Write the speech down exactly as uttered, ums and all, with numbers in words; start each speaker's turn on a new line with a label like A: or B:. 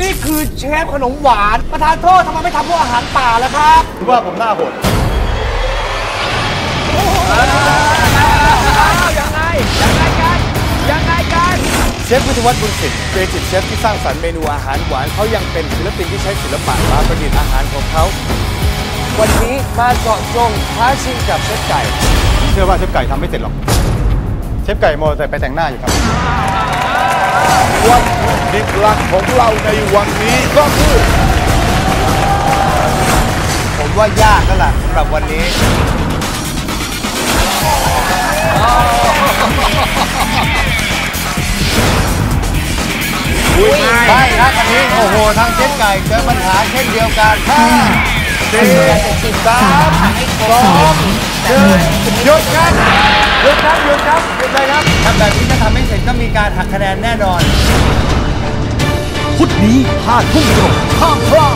A: นี่คือเชฟขนมหวานประธานโทษทำไมไม่ทำพวกอาหารป่าล่ะครับ
B: คิดว่าผมหน้าโหด
A: ยังไงยังไงกันยังไงกัน
B: เชฟวิทยวัฒน์บุญสิทธิ์ครีเอทีฟเชฟที่สร้างสรรค์เมนูอาหารหวานเขายังเป็นศิลปินที่ใช้ศิลปะมาประดิษฐ์อาหารของเขาวันนี้มาเจาะจงท้าชิงกับเชฟไก่เชื่อว่าเชฟไก่ทำไม่เสร็จหรอกเชฟไก่โมแต่ไปแต่งหน้าอยู่ครับ
C: วัตถุดิบหลักของเราในวันนี้ก็คือ
B: ผมว่ายากแล้วล่ะสำหรับวันนี้ใช่ครับอันนี้โอ้โหทางเชฟไก่เจอปัญหาเช่นเดียวกันห้าสี่สามสองหนึ่งหยุดครับหยุดครับหยุดครับหยุดเลยครับทำแบบนี้ถ้าทำไม่เสร็จก็มีการหักคะแนนแน่นอน
D: พุธนี้ห้าทุ่มตรงห้ามพลาด